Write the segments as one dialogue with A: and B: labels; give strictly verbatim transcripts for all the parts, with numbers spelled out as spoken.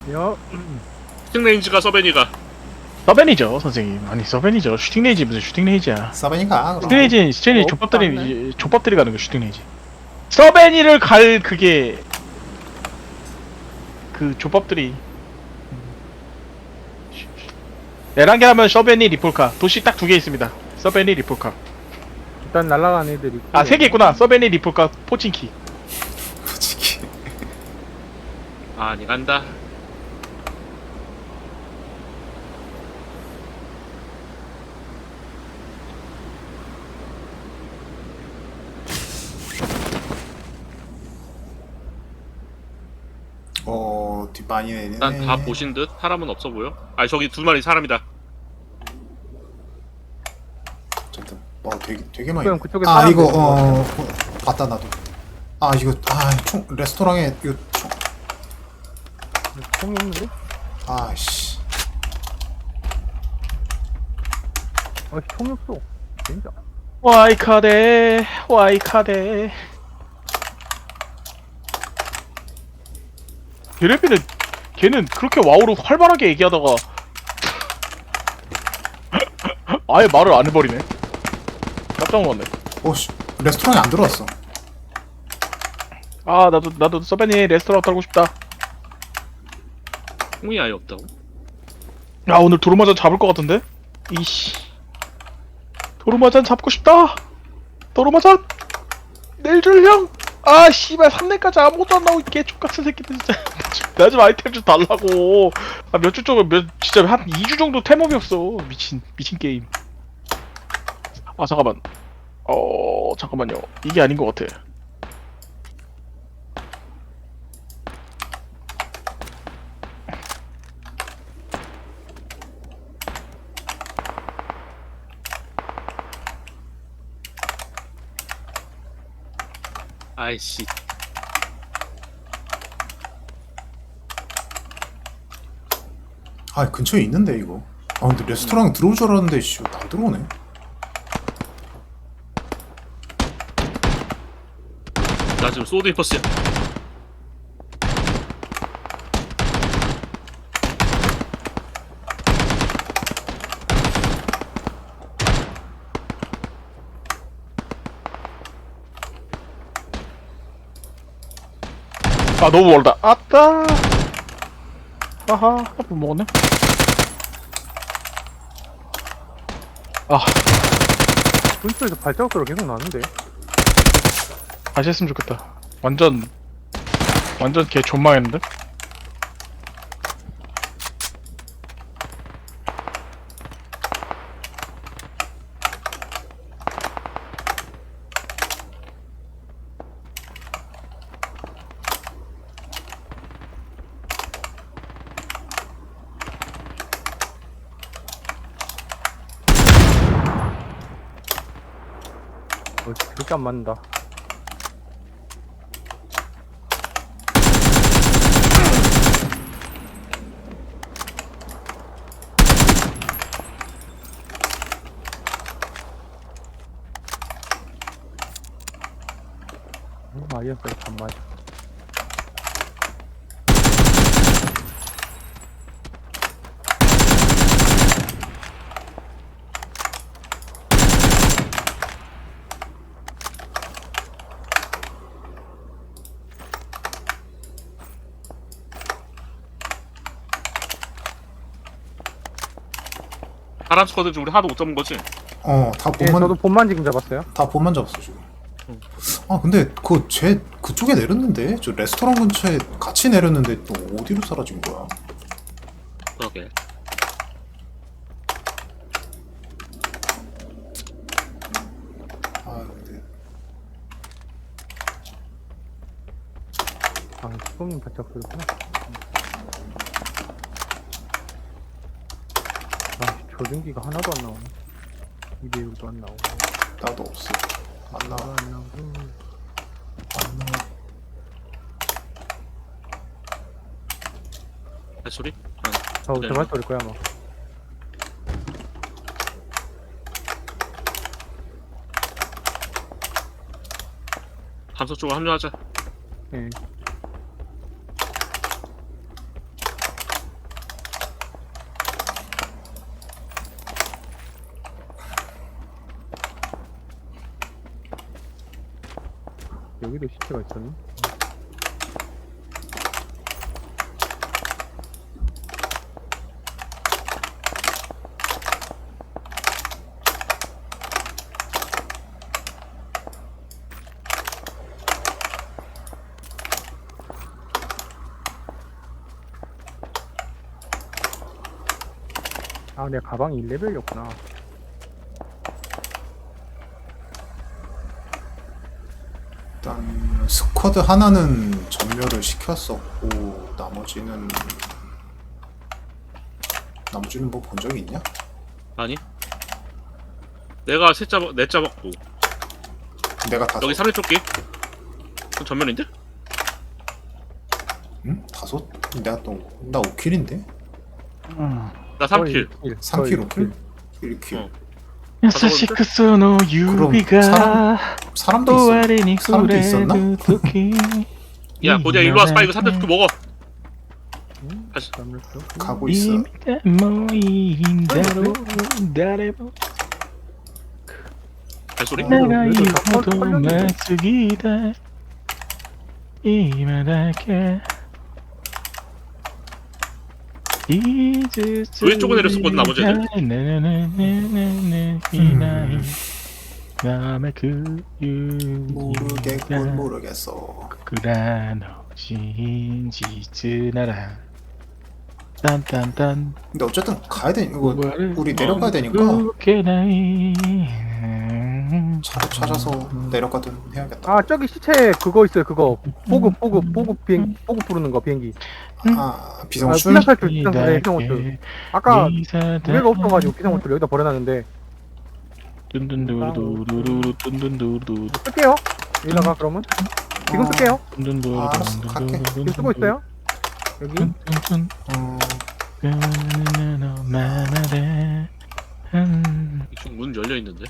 A: 여
B: 슈팅 레인지가 서베니가.
C: 서벤이죠 선생님. 아니 서벤이죠. 슈팅 레이지 무슨 슈팅 레이지야.
D: 서베니가
C: 슈팅 레이지는 슈팅레이지
A: 어,
C: 족밥들이 족밥들이 가는 거 슈팅 레이지. 서벤이를 갈 그게 그 족밥들이. 에란게 하면 서벤이 리폴카 도시 딱 두 개 있습니다. 서벤이 리폴카.
A: 일단 날아가는 애들이 있고.
C: 아 세 개 있구나. 서벤이 리폴카 포친키.
D: 솔직히
B: 아니 간다.
D: 어 뒷반이 내리네.
B: 일단 다 보신 듯 사람은 없어 보여. 아 저기 두 마리 사람이다.
D: 잠깐 어 되게 되게 많이
A: 그럼
D: 있네.
A: 그쪽에
D: 아
A: 사람들
D: 이거
A: 있는 것
D: 어 어, 봤다 나도. 아 이거 아총 레스토랑에 이거 총
A: 총이 있는데?
D: 아씨
A: 아 총이 없어. 진짜.
C: 와이카데 와이카데. 게레비는 걔는 그렇게 와우로 활발하게 얘기하다가 아예 말을 안 해버리네. 깜짝 놀랐네.
D: 어씨 레스토랑에 안 들어왔어.
C: 아 나도 나도 서벤이 레스토랑 따고 싶다.
B: 홍이 아예 없다고?
C: 야 오늘 도루마잔 잡을 것 같은데? 이씨 도루마잔 잡고 싶다. 도루마잔 내일 줄 형. 아 씨발 삼 년까지 아무것도 안 나오고 개족같은 새끼들 진짜. 나 좀 아이템 좀 달라고. 아 몇 주 정도 몇 진짜 한 이 주 정도 템업이 없어. 미친 미친 게임. 아 잠깐만. 어 잠깐만요. 이게 아닌 것 같아.
B: 아이씨.
D: 아 근처에 있는데 이거. 아 근데 레스토랑 들어올 줄 알았는데 씨안 들어오네.
B: 나 지금 소드 히퍼스야.
C: 아 너무 멀다. 아따. 아하 못 먹었네. 아
A: 근처에서 발자국 소리가 계속 나는데.
C: 다시 했으면 좋겠다. 완전 완전 개 존망했는데?
A: 어, 그렇게 안 맞는다. 음, 아이언스가 안 맞아.
B: 사람 스쿼드 중 우리 하나도 못 잡은 거지?
D: 어다
A: 예,
D: 본만
A: 저도 본만 지금 잡았어요.
D: 다 본만 잡았어 지금. 아 근데 그 쟤 그쪽에 내렸는데 저 레스토랑 근처에 같이 내렸는데 또 어디로 사라진 거야?
B: 그러게.
D: 아 근데
A: 아, 수범님 발자국 소리구나. 아, 조준기가 하나도 안 나오네. 이배율도 안 나오고.
D: 나도 없어. 안 나와
A: 안 나오고.
D: 안 나와.
B: 발소리? 아,
A: 저,
B: 네.
A: 저 발소리일 거야, 아마.
B: 감소 쪽으로 합류하자.
A: 예. 여기도 시체가 있었네. 아, 내 가방이 일 레벨이었구나.
D: 일단 스쿼드 하나는 전멸을 시켰었고 나머지는 나머지는 뭐 본 적이 있냐?
B: 아니 내가 셋 잡아 넷 잡았고
D: 내가 다섯.
B: 여기 삼 렙 쫓기 그건 전면인데?
D: 응? 다섯? 내가 또나 오 킬인데?
B: 나 삼 킬
D: 삼 킬 오 킬? 일 킬.
B: 어.
C: 優しくその指が
D: 사람 사람도
C: 終わ
D: 있어.
C: りに
D: 사람도
C: 触れ
D: 있었나?
C: る時
B: 야 고디야 일로 와서 빨리 이거 삼 렙 쫓기 먹어
A: 응?
B: 다시.
A: 잠렸어.
D: 가고 있어.
C: 君でもいいんだろう誰も
B: 발소리?
A: 어.
C: 長いほど待ちすぎた今だけ
B: 왼쪽으로 내렸었거든, 나머지 애들.
D: 모르겠군 모르겠어.
C: 僕らの真実ならタンタンタン
D: 근데 어쨌든 가야 되 이거 우리 내려가야
B: 어.
D: 되니까
C: 動けない
D: 차를 찾아서 내려가든 해야겠다.
A: 아, 저기 시체 그거 있어요. 그거 보급 보급 보급 비행 보급 부르는 거 비행기.
D: 아
A: 아,
D: 비상출?
A: 비상탈출 비상 네, 비상호출. 아까 무게가 없어가지고 비상호출 여기다 버려놨는데
C: 뚠뚠두루두루두루 뚠뚠두루두루
A: 쓸게요. 여기다가 그러면 지금 쓸게요.
D: 알았어, 갈게.
A: 지금 쓰고 있어요. 여기
C: 뚠뚠뚠
D: 어,
B: 이쪽 문 열려 있는데.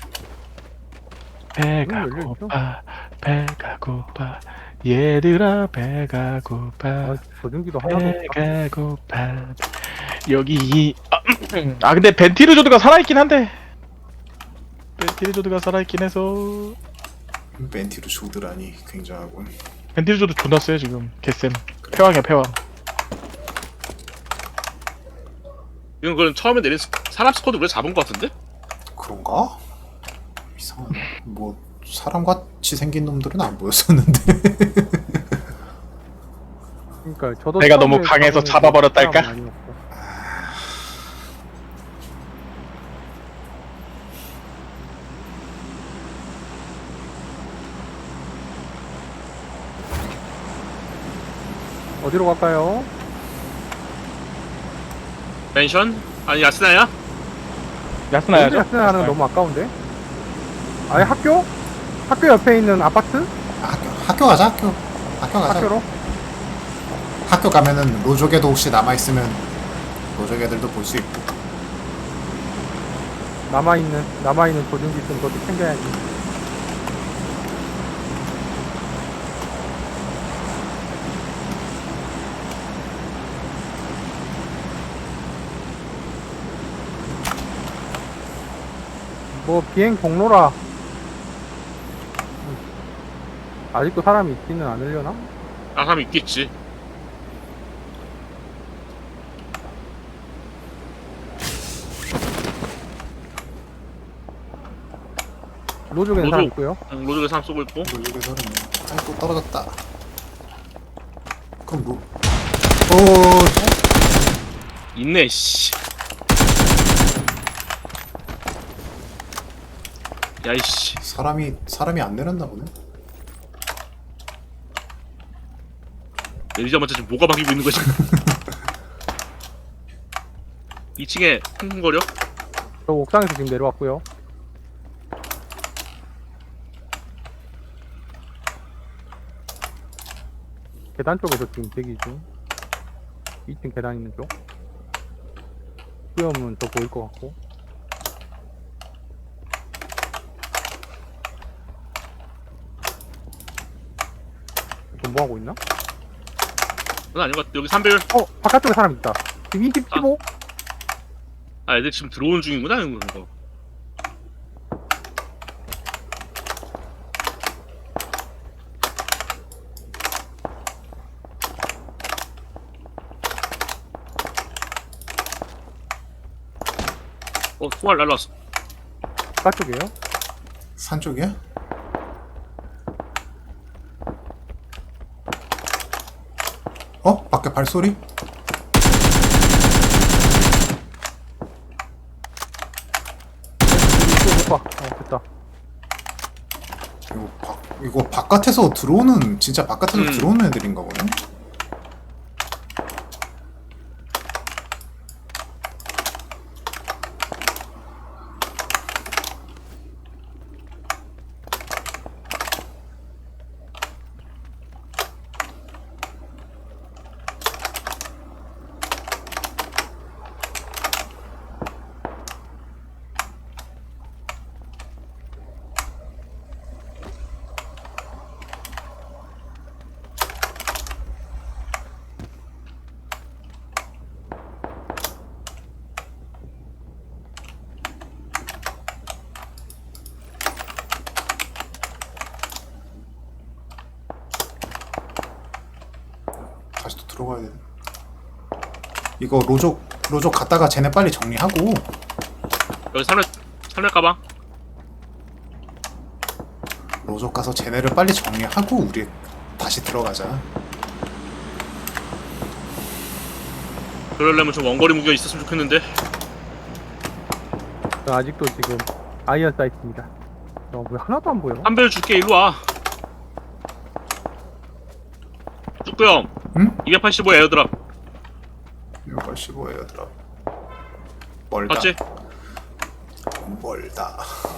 C: 배가
A: 열려있어?
C: 고파 배가 고파 얘들아 배가
A: 아,
C: 고파
A: 저등기도 하나도 없다.
C: 배가 고파 여기 이... 아, 아 근데 벤티르조드가 살아있긴 한데 벤티르조드가 살아있긴 해서
D: 멘티로 조드라니 굉장하군.
C: 벤티르조드 존나 쎄 지금 개쌤 패왕이야 패왕
B: 이건 그럼 처음에 내린 스- 사람 스쿼드 우리가 잡은 거 같은데?
D: 그런가? 이상한 뭐 사람같이 생긴 놈들은 안 보였었는데.
A: 그러니까 저도
C: 내가 너무
A: 처음에
C: 강해서
A: 잡은
C: 잡아버렸달까?
A: 사람은 아니었어. 어디로 갈까요?
B: 멘션? 아니 야스나야?
C: 야스나야죠?
A: 야스나 하는 거 너무 아까운데? 아예 학교? 학교 옆에 있는 아파트?
D: 아, 학교 학교 가자 학교. 학교 가자.
A: 학교로?
D: 학교 가면은 로족에도 혹시 남아 있으면 로족 애들도 볼 수 있고.
A: 남아있는 남아있는 조준기 있으면 그것도 챙겨야지. 뭐 비행 경로라. 음. 아직도 사람이 있지는 않으려나?
B: 아 사람 있겠지.
A: 로족에는 사람
B: 로족.
A: 있고요.
B: 응, 로드가 사람 쏘고 있고.
D: 로족에서는 아이고 떨어졌다. 그럼 뭐? 오
B: 있네 씨. 야이씨.
D: 사람이 사람이 안 내렸나 보네.
B: 내리자마자 지금 뭐가 바뀌고 있는 거지? 이 층에 흥흥거려?
A: 저 옥상에서 지금 내려왔고요. 계단 쪽에서 지금 대기 중. 이 층 계단 있는 쪽. 수염은 저 보일 것 같고. 지금 뭐 하고 있나?
B: 그건 아닌 것 같아. 여기 삼 배율.
A: 어, 바깥쪽에 사람 있다. 지금 이십, 십오.
B: 아 애들 지금 들어오는 중이구나 이런 거. 어 총알 날라왔어.
A: 바깥쪽이에요?
D: 산 쪽이야? 어? 밖에 발소리?
A: 이거 못 봐. 어, 됐다.
D: 이거, 바, 이거 바깥에서 들어오는 진짜 바깥에서
B: 음.
D: 들어오는 애들인가 보네. 다시 또 들어가야 돼. 이거 로족 로족 갔다가 쟤네 빨리 정리하고
B: 여기 산을 산을 가봐.
D: 로족 가서 쟤네를 빨리 정리하고 우리 다시 들어가자.
B: 그러려면 좀 원거리 무기가 있었으면 좋겠는데.
A: 저 아직도 지금 아이언 사이트입니다. 어, 왜 하나도 안 보여?
B: 한 별 줄게. 일로 와. 쭈꾸 형.
D: 응?
B: 이백팔십오 에어드랍.
D: 이백팔십오 에어드랍. 멀다.
B: 맞지?
D: 멀다.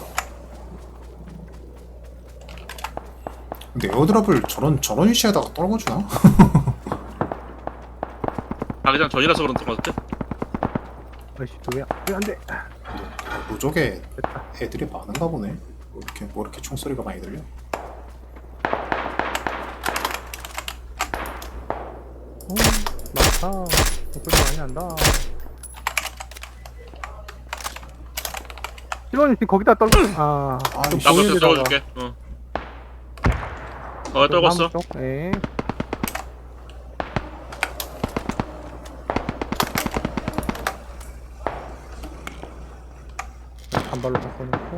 D: 근데 에어드랍을 저런 저런 위치에다가 떨궈주나?
B: 자기장 전이라서 그런 것 같아.
A: 아이씨, 왜, 왜 안 돼?
D: 로족에
A: 됐다.
D: 애들이 많은가 보네. 뭐 이렇게 뭐 이렇게 총소리가 많이 들려?
A: 어, 많다. 소리 많이 난다. 실원이 지금 거기다 떨고, 아, 좀
D: 아이씨.
B: 나도
A: 보이는 데다가.
B: 적어줄게. 어. 어 떨궜어.
A: 쪽, 예. 단발로 바꿔놓고.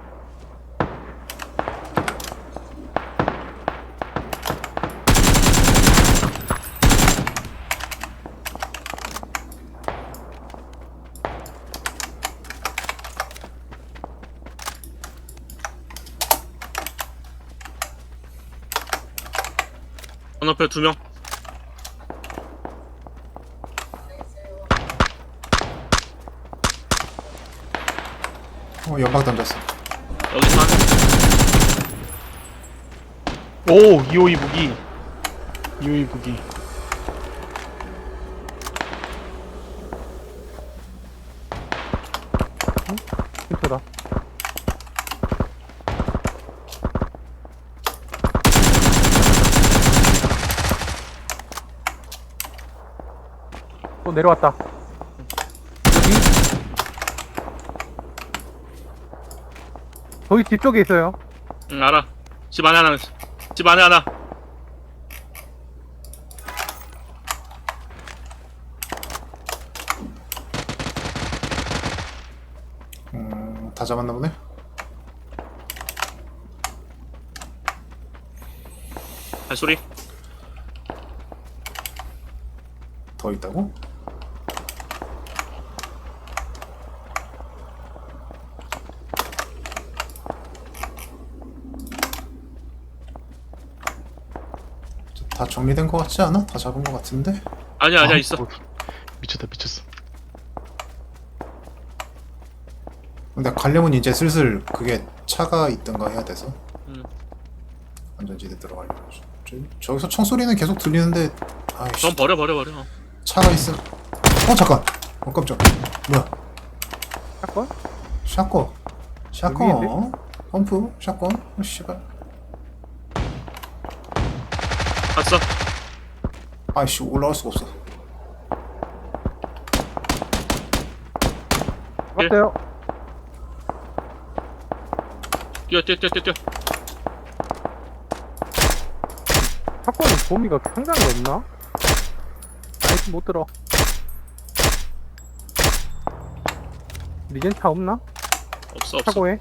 B: 건너편 두 명.
D: 어 연막 던졌어.
B: 여기 산.
C: 오 이오이 무기. 이오이 무기.
A: 근처다. 또 내려왔다. 여기? 거기 집 쪽에 있어요.
B: 응 알아. 집 안에 하나. 집 안에 하나.
D: 음, 다 잡았나 보네.
B: 발소리.
D: 더 있다고? 다 정리된 거 같지 않아? 다 잡은 거 같은데?
B: 아니야 아니야
C: 아,
B: 있어.
C: 뭐, 미쳤다 미쳤어.
D: 근데 가려면 이제 슬슬 그게 차가 있던가 해야 돼서
B: 음.
D: 안전지대 들어가려면 저, 저기서 총소리는 계속 들리는데 아이씨
B: 전 버려 버려 버려.
D: 차가 있음. 어 잠깐. 어 깜짝. 뭐야?
A: 샷건?
D: 샷건. 샷건.
A: 의미인데?
D: 펌프. 샷건. 어 씨발.
B: 갔어.
D: 아이씨 올라갈 수가 없어.
B: 예.
A: 맞대요.
B: 뛰어 뛰어 뛰어 뛰어 뛰어.
A: 샷건은 범위가 상당히 없나? 나이스 못 들어. 리젠 차 없나?
B: 없어 없어.
A: 차고에?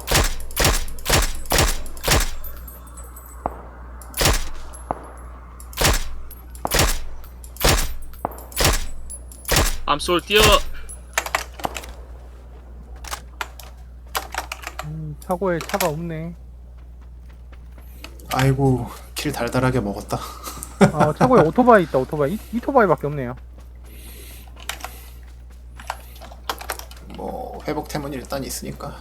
B: 암솔 뛰어.
A: 음, 차고에 차가 없네.
D: 아이고 킬 달달하게 먹었다.
A: 아, 차고에 오토바이 있다, 오토바이. 이, 이토바이밖에 없네요.
D: 뭐 회복템은 일단 있으니까.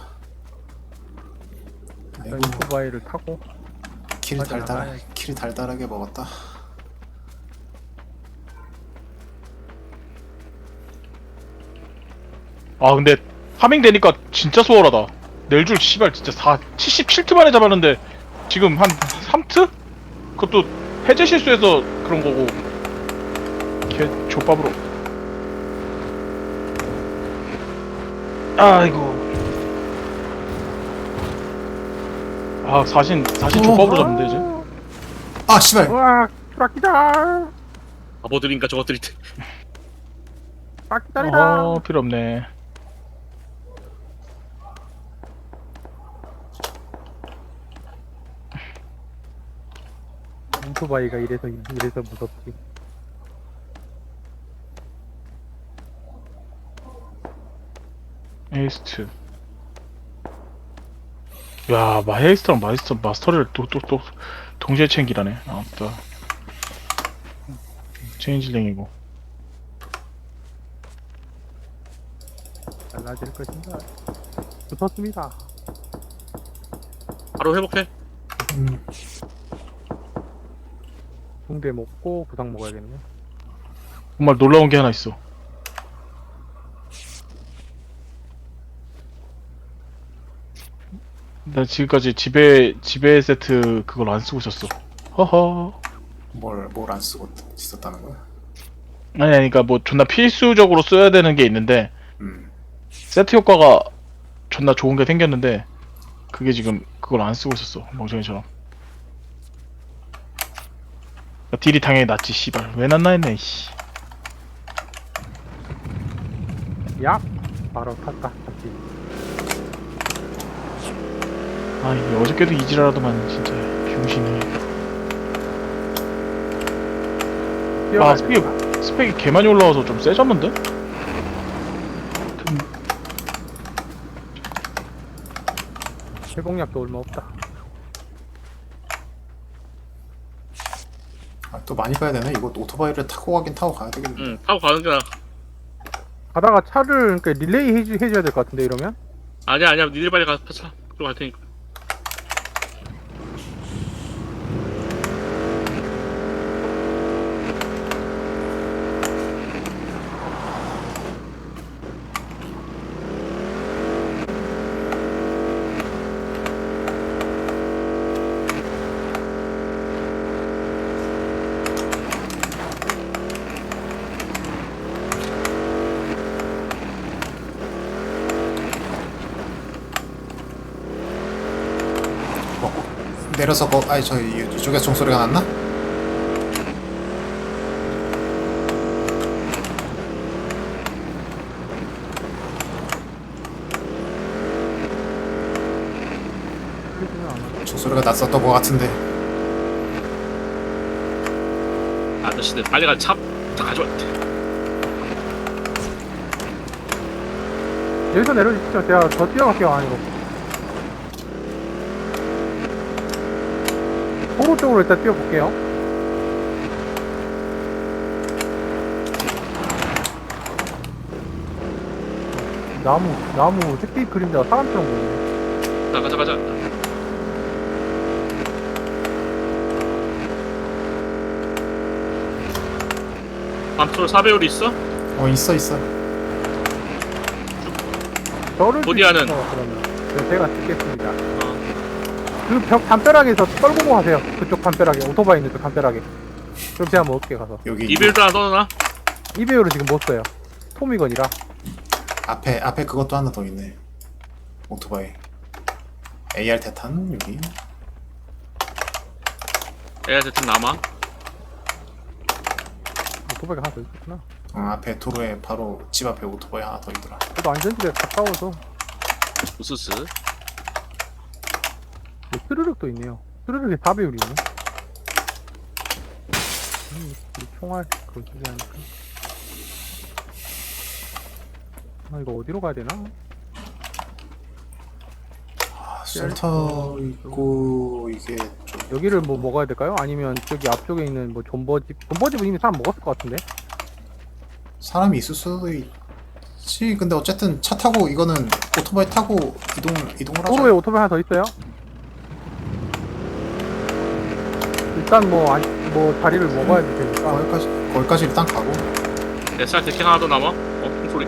D: 아이고
A: 일단 이토바이를 타고.
D: 킬
A: 맞아,
D: 달달
A: 나가야지.
D: 킬 달달하게 먹었다.
C: 아 근데 파밍 되니까 진짜 수월하다. 낼줄 씨발 진짜 사 칠십칠 트 만에 잡았는데 지금 한 삼 트? 그것도 해제 실수해서 그런 거고. 개 족밥으로. 아이고. 아 사신 사신
D: 어.
C: 족밥으로 잡는데 이제.
D: 아 씨발.
A: 우와, 트라키다!
B: 바보들인가 저것들이.
A: 트라키다리다!
C: 어 필요 없네.
A: 오토바이가 이래서, 이래서 무섭지.
C: 헤이스트. 야, 마 헤이스트랑 마이스터 마스터를 또 또 또 동시에 챙기라네. 아, 맞다. 체인지링이고.
A: 달라질 것인가? 붙었습니다.
B: 바로 회복해.
D: 음,
A: 붕대 먹고 부상 먹어야겠네.
C: 정말 놀라운 게 하나 있어. 나 지금까지 지배 지배 세트 그걸 안 쓰고 있었어. 허허.
D: 뭘뭘 안 쓰고 있었다는 거야?
C: 아니, 아니, 그러니까 뭐 존나 필수적으로 써야 되는 게 있는데
D: 음.
C: 세트 효과가 존나 좋은 게 생겼는데 그게 지금 그걸 안 쓰고 있었어. 멍청이처럼. 그러니까 딜이 당연히 낫지. 씨발 왜 낫나 했네. 씨.
A: 야! 바로 탔다. 다시.
C: 아 이게 어저께도 이지라더만 진짜 병신이. 아 스펙이 스펙이 개 많이 올라와서 좀 세졌는데? 좀
A: 회복약도 얼마 없다.
D: 아, 또 많이 가야 되네. 이거 오토바이를 타고 가긴 타고 가야 되겠네.
B: 응 타고 가는 게 나아.
A: 가다가 차를, 그러니까 릴레이 해주, 해줘야 될 것 같은데, 이러면?
B: 아니야 아니야 니들 빨리 가서 차 들어갈 테니까.
D: 내려서 거 아니 저 이- 이쪽에서 종소리가 났나?
A: 그러지는 않아.
D: 종소리가 났었던 것 같은데.
B: 아저씨들 빨리 가서 차 다 가져와.
A: 여기서 내려주시죠. 제가 더 뛰어갈게요, 아니고. 도로 쪽으로 일단 뛰어볼게요. 나무, 나무, 햇빛 그림자가 사람처럼 보이네.
B: 자 가자 가자. 암솔 사 배율 있어?
D: 어 있어 있어.
A: 저를
B: 도디아는?
A: 찍으셔서 그러면. 네, 제가 찍겠습니다.
B: 어.
A: 그 벽 담벼락에서 떨구고 가세요. 그쪽 담벼락에, 오토바이 있는 쪽 담벼락에. 그럼 제가 먹을게, 가서.
D: 여기
B: 이빌드 하나 떠나.
A: 이 배율을 지금 못 써요. 토미건이라.
D: 앞에 앞에 그것도 하나 더 있네. 오토바이. 에이알 대탄 여기.
B: 에어제트 남아.
A: 오토바이가 하나 더 있었구나.
D: 어, 앞에 도로에 바로 집 앞에 오토바이 하나 더 있더라.
A: 그래도 안전지대 가까워서.
B: 우스스.
A: 네, 스르륵도 있네요. 스르륵에 사 배율이 있네. 음, 이 총알 그거 주지 않을까? 아, 이거 어디로 가야 되나?
D: 아, 셀터 있고 이게 좀
A: 여기를 뭐 먹어야 될까요? 아니면 저기 앞쪽에 있는 뭐 존버집? 존버집은 이미 사람 먹었을 것 같은데?
D: 사람이 있을 수도 있지. 근데 어쨌든 차 타고 이거는 오토바이 타고 이동 이동을 하자.
A: 도로에 오토바이 하나 더 있어요? 일단 뭐, 아니, 뭐 자리를 먹어야 될 테니까.
D: 거기까지 거기까지 일단 가고.
B: 에스알 데킹 하나 더 남아. 어, 총소리.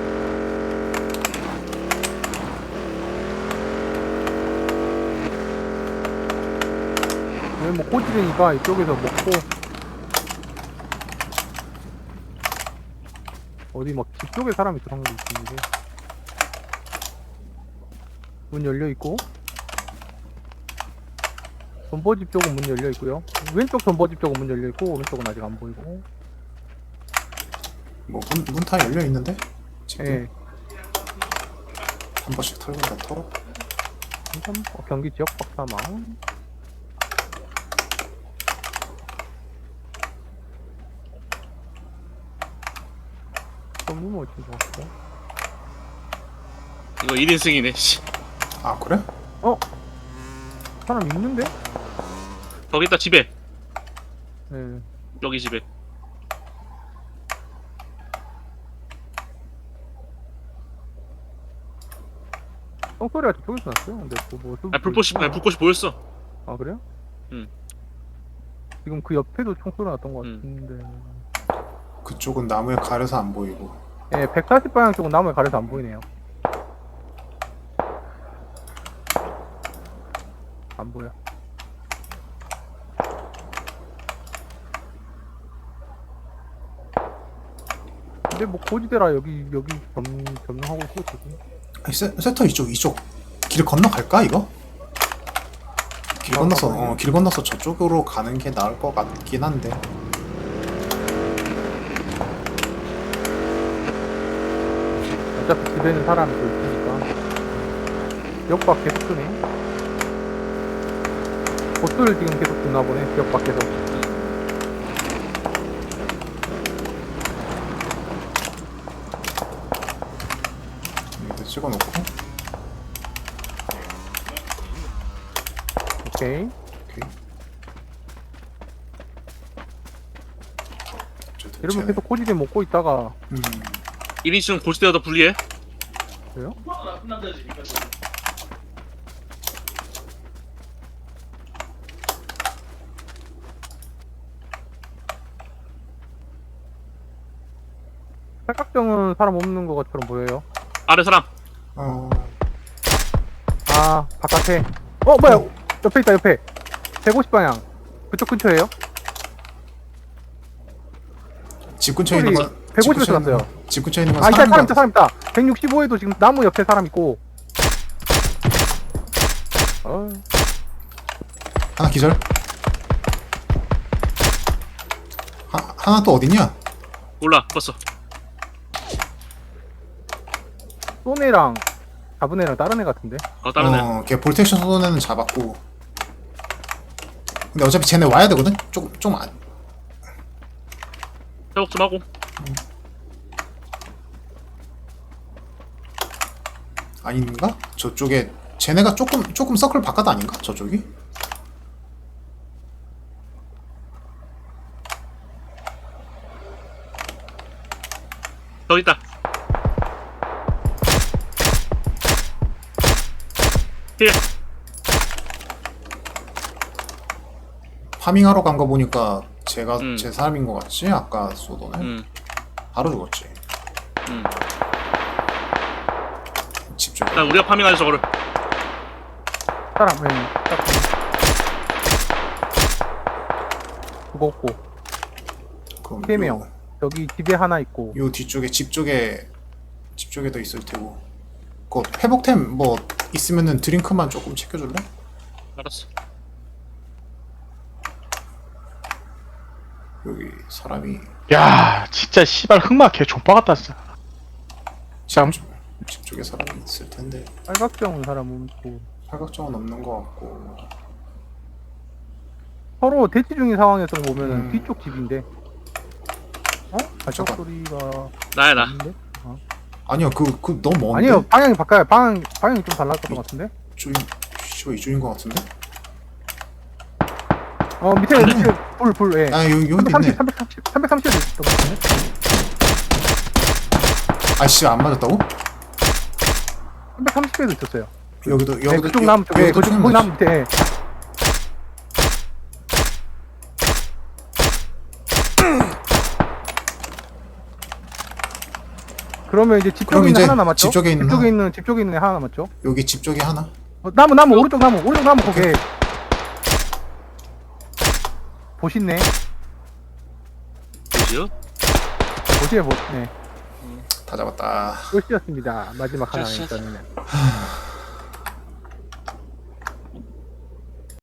A: 여기 뭐 꼬지르니까 이쪽에서 먹고. 어디 막 집 쪽에 사람이 들어간 게 있는데. 문 열려 있고. 전버집 쪽은 문 열려 있고요. 왼쪽 전버집 쪽은 문 열려 있고 오른쪽은 아직 안 보이고.
D: 뭐문 문 다 열려 있는데 지금
A: 예.
D: 한 번씩 털고 다 털어.
A: 일단 뭐 경기 지역 박사망. 너무 멋진 것 같고.
B: 이거 일 인승이네. 씨.
D: 아 그래?
A: 어? 사람 있는데?
B: 저기 있다 집에.
A: 예.
B: 여기 집에.
A: 똥소리가 저쪽에서 났어요. 근데 그 뭐,
B: 아 불꽃이 아니, 불꽃이 보였어.
A: 아 그래요?
B: 응.
A: 지금 그 옆에도 총소리 났던 것
B: 응.
A: 같은데.
D: 그쪽은 나무에 가려서 안 보이고.
A: 예, 백사십 방향 쪽은 나무에 가려서 안 보이네요. 안 보여. 근데 뭐 고지대라 여기 여기 점 점령하고 있고 지금.
D: 아니, 세, 세터 이쪽 이쪽 길 건너 갈까 이거? 길
A: 아,
D: 건너서
A: 가봐요.
D: 어, 길 건너서 저쪽으로 가는 게 나을 것 같긴 한데.
A: 어차피 집에는 사람이 또 있으니까. 지역밖 계속 뜨네. 보스를 지금 계속 듣나 보네. 지역 밖에서.
D: 여기다 찍어놓고.
A: 오케이.
D: 오케이. 어쨌든
A: 이러면
D: 쟤네-
A: 계속 고지대 먹고 있다가
D: 음,
B: 일 인승 고지대가 더 불리해.
A: 그래요? 팔각정은 사람 없는 것 것처럼 보여요.
B: 아래 사람.
D: 어,
A: 아 바깥에. 어 뭐야? 옆에 있다 옆에. 백오십 방향. 그쪽 근처에요?
D: 집 근처에 있는
A: 소리
D: 건 집
A: 백오십에서
D: 근처에 있는
A: 났어요.
D: 건- 집 근처에 있는 건
A: 아 있다
D: 사람인
A: 사람
D: 것
A: 있다 사람 있다. 백육십오에도 지금 나무 옆에 사람 있고. 어.
D: 하나 기절. 하, 하나 또 어딨냐?
B: 몰라. 봤어.
A: 쏘네랑 잡은 애랑 다른 애 같은데.
B: 어 다른 애.
D: 어, 걔 볼텍션 쏘는 애는 잡았고. 근데 어차피 쟤네 와야 되거든? 조금, 좀 안,
B: 회복 좀 하고.
D: 아닌가? 저쪽에, 쟤네가 조금, 조금 서클 바깥 아닌가? 저쪽이?
B: 저기 있다. 힐.
D: 파밍하러 간 거 보니까 제가
B: 음.
D: 제 사람인 것 같지? 아까 쏘던 애?
B: 음.
D: 바로 죽었지.
B: 음.
D: 집 쪽에.
B: 나 우리가 파밍하자 저거를.
A: 사람 왜? 딱 죽었고
D: 그럼
A: 세
D: 요-
A: 명. 여기 집에 하나 있고.
D: 요 뒤쪽에 집 쪽에 집 쪽에도 있을 테고. 그 회복템 뭐 있으면은 드링크만 조금 챙겨줄래?
B: 알았어.
D: 여기 사람이
C: 야 진짜 씨발 흑마 개 족박았다 진짜.
D: 집, 집 쪽에 사람이 있을 텐데
A: 빨각정 온 사람은 없고
D: 팔각정은 없는 것 같고.
A: 서로 대치 중인 상황에서 보면은
D: 음.
A: 뒤쪽 집인데. 어? 발작
D: 잠깐.
A: 소리가
B: 나야 나.
A: 있는데?
D: 아니요 그 그 너무 먼데.
A: 아니요 방향이 바꿔요. 방향 방향이 좀 달라질 것 같은데.
D: 이쪽인 저 이쪽인 것 같은데.
A: 어 밑에
B: 아니.
A: 밑에 불불 예.
D: 아 여기 여기 있네.
A: 삼백삼십 삼백삼십 삼백삼십에 있었던 것 같은데.
D: 아씨 안 맞았다고?
A: 삼백삼십에도 있었어요.
D: 여기도 여기도
A: 네, 그쪽
D: 여-
A: 나무 쪽에
D: 여기도
A: 그쪽
D: 튀는
A: 거기
D: 거지.
A: 나무 밑에. 예. 그러면 이제 집
D: 그럼
A: 쪽에 있는
D: 이제
A: 하나 남았죠?
D: 집 쪽에 있는
A: 집 쪽에
D: 하나.
A: 있는 집 쪽에 있는 애 하나 남았죠?
D: 여기 집 쪽에 하나.
A: 어, 나무 나무 오른쪽 나무 오른쪽 나무 거기에 보시네.
B: 뭐지요?
A: 보시에 보. 네.
D: 다 잡았다.
A: 끝이었습니다. 마지막 하나
B: 끝이었어.
A: 있었네.